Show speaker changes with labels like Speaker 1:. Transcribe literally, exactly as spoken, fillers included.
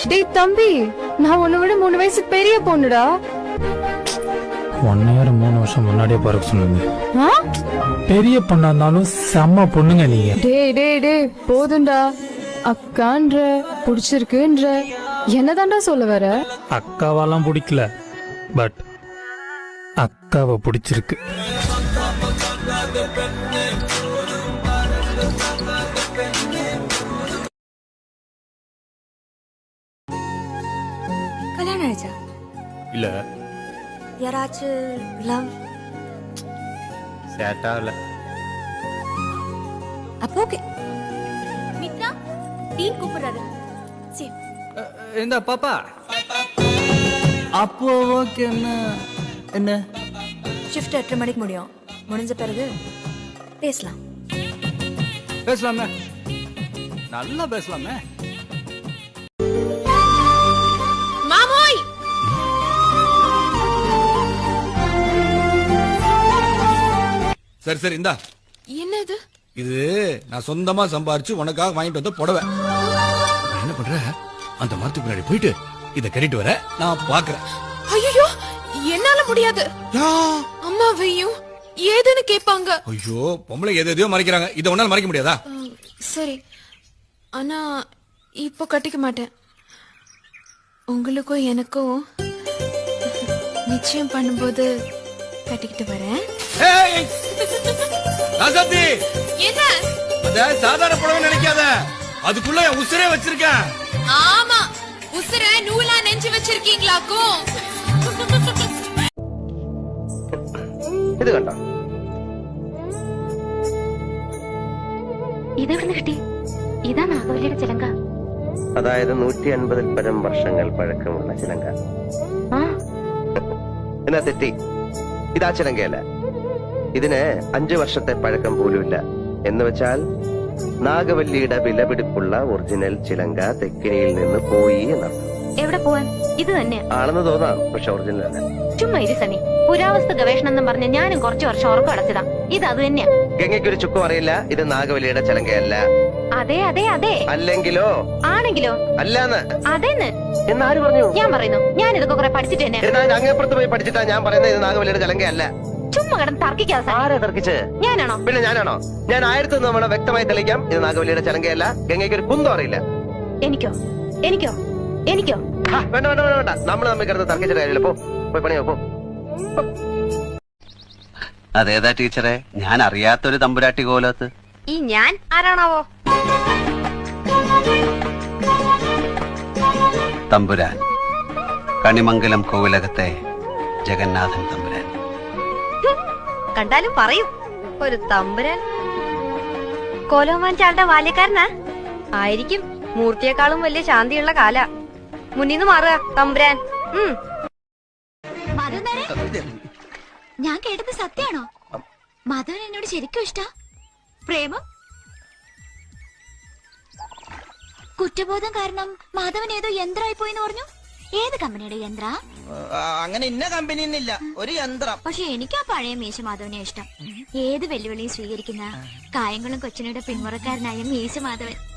Speaker 1: டேய் தம்பி, நான் உன்னை விட மூணு வயசு பெரிய பொண்ணுடா.
Speaker 2: ஒன் இயர் மூணு வருஷம் முன்னாடியே பிறகு சொன்னீங்க.
Speaker 1: ஆ?
Speaker 2: பெரிய பொண்ணா இருந்தாலும் செம்ம பொண்ணுங்க நீங்க.
Speaker 1: டேய் டேய் டேய் போதும்டா. அக்கான்ற புடிச்சிருக்குன்ற என்னதான்டா சொல்ல வர?
Speaker 2: அக்காவெல்லாம் பிடிக்கல, பட் அக்காவை பிடிச்சிருக்கு.
Speaker 3: கல்யாணம் ஆயிடுச்சா?
Speaker 4: இல்ல.
Speaker 3: யாராச்சும் லவ்
Speaker 4: செட் ஆகல.
Speaker 3: அப்போ ஓகே. மித்ரா டீன் கூப்பிடுறாரு. சரி.
Speaker 4: இந்த பாப்பா. அப்போ ஓகே. என்ன என்ன
Speaker 3: ஷிஃப்ட் எட்டரை மணிக்கு முடியும். முடிஞ்ச பிறகு பேசலாம்.
Speaker 4: பேசலாமே, நல்லா பேசலாமே.
Speaker 5: மாமோய்,
Speaker 6: சரி சரி இந்தா.
Speaker 5: என்னது
Speaker 6: இது? நான் சொந்தமா சம்பாரிச்சு உனக்காக வாங்கிட்டு வந்த புடவை. என்ன பண்ற? அந்த மரத்துக்கு பின்னாடி போயிட்டு இத கட்டிட்டு வர நான் பாக்குறேன்.
Speaker 5: ஐயோ, என்னால முடியாது. அம்மாவையும் ஏதுன்னு கேட்பாங்க.
Speaker 6: ஐயோ, பொம்பளை எது எதையோ மறைக்கிறாங்க. இத உன்னால மறைக்க முடியாதா?
Speaker 5: சரி, ஆனா இப்போ கட்டிக்க மாட்டேன். உங்களுக்கும் எனக்கும் நிச்சயம் பண்ணும்போது கட்டிக்கிட்டு வரேன். என்ன?
Speaker 6: அத சாதாரண புடவை நினைக்காத, அதுக்குள்ள என் உசுரே வச்சிருக்கேன்.
Speaker 5: ஆமா, உசுர நூலா நெஞ்சு வச்சிருக்கீங்களாக்கும்.
Speaker 7: ഇത് കണ്ടോ?
Speaker 8: ഇതെവിടുന്ന് കിട്ടി? ഇതാ നാഗവല്ലിയുടെ ചിലങ്ക.
Speaker 7: അതായത് നൂറ്റി അൻപതിൽ പരം വർഷങ്ങൾ പഴക്കമുള്ള ചിലങ്ക. എന്നാ തെറ്റി, ഇതാ ചിലങ്കയല്ല. ഇതിന് അഞ്ചു വർഷത്തെ പഴക്കം പോലുമില്ല. എന്ന് വെച്ചാൽ നാഗവല്ലിയുടെ വിലപിടിപ്പുള്ള ഒറിജിനൽ ചിലങ്ക തെക്കിനിയിൽ നിന്ന് പോയി എന്നർത്ഥം.
Speaker 8: എവിടെ പോവാൻ? ഇത് തന്നെ
Speaker 7: ആണെന്ന് തോന്നാം, പക്ഷെ ഒറിജിനൽ അല്ല.
Speaker 8: ചുമ്മാ ഇരി സണി. പുരാവസ്തു ഗവേഷണം എന്ന് പറഞ്ഞ് ഞാനും കുറച്ചു വർഷം ഉറക്കം അടച്ചതാ. ഇത് അത് തന്നെയാ.
Speaker 7: ഗംഗയ്ക്കൊരു ചുക്കും അറിയില്ല ഇത് നാഗവല്ലിയുടെ ചിലങ്കയല്ല.
Speaker 8: അതെ അതെ അതെ.
Speaker 7: അല്ലെങ്കിലോ?
Speaker 8: ആണെങ്കിലോ?
Speaker 7: അല്ലാന്ന്.
Speaker 8: അതെന്ന്
Speaker 7: എന്നാര് പറഞ്ഞു?
Speaker 8: ഞാൻ പറയുന്നു. ഞാൻ ഇതൊക്കെ കുറെ പഠിച്ചിട്ട് തന്നെ.
Speaker 7: അങ്ങേപ്പുറത്ത് പോയി പഠിച്ചിട്ടാ ഞാൻ പറയുന്നത് ഇത് നാഗവല്ലിയുടെ ചിലങ്കയല്ല.
Speaker 8: ചുമ്മാ കിടന്ന് തർക്കിക്കാതെ.
Speaker 7: ആരാ തർക്കിച്ച്?
Speaker 8: ഞാനാണോ?
Speaker 7: പിന്നെ ഞാനാണോ? ഞാൻ ആയിരത്തി തവണ വ്യക്തമായി തെളിയിക്കാം, ഇത് നാഗവല്ലിയുടെ ചിലങ്കയല്ല. ഗംഗയ്ക്ക് ഒരു കുന്തം അറിയില്ല.
Speaker 8: എനിക്കോ? എനിക്കോ? എനിക്കോ?
Speaker 7: വേണ്ട വേണ്ട വേണ്ട വേണ്ട, നമ്മൾ തമ്മിൽ കിടന്ന് തർക്കിച്ചിട്ട് കാര്യമില്ല. പോ, പോയി പണിയോ പോ.
Speaker 9: അതേതാ ടീച്ചറെ? ഞാൻ അറിയാത്തൊരു തമ്പുരാട്ടി കോലത്ത്.
Speaker 8: ഈ ഞാൻ ആരാണാവോ?
Speaker 9: തമ്പുരാൻ, കണിമംഗലം കോവിലകത്തെ ജഗന്നാഥൻ തമ്പുരാൻ.
Speaker 8: കണ്ടാലും പറയും ഒരു തമ്പുരാൻ. കോലോമാൻ ചാളുടെ ബാല്യക്കാരനാ ആയിരിക്കും. മൂർത്തിയെക്കാളും വലിയ ശാന്തിയുള്ള കാല. മുന്നിന്ന് മാറുക തമ്പുരാൻ.
Speaker 10: ഞാൻ കേട്ടത് സത്യാണോ? മാധവൻ എന്നോട് ശരിക്കും ഇഷ്ട? പ്രേമം? കുറ്റബോധം കാരണം മാധവൻ ഏതോ യന്ത്രമായി പോയിന്ന് പറഞ്ഞു. ഏത് കമ്പനിയുടെ യന്ത്ര?
Speaker 11: അങ്ങനെ ഇന്ന കമ്പനി ഒരു യന്ത്രം.
Speaker 10: പക്ഷെ എനിക്ക് ആ പഴയ മീശ മാധവനെ ഇഷ്ടം. ഏത് വെല്ലുവിളിയും സ്വീകരിക്കുന്ന കായംകുളം കൊച്ചിനയുടെ പിന്മുറക്കാരനായ മീശ മാധവൻ.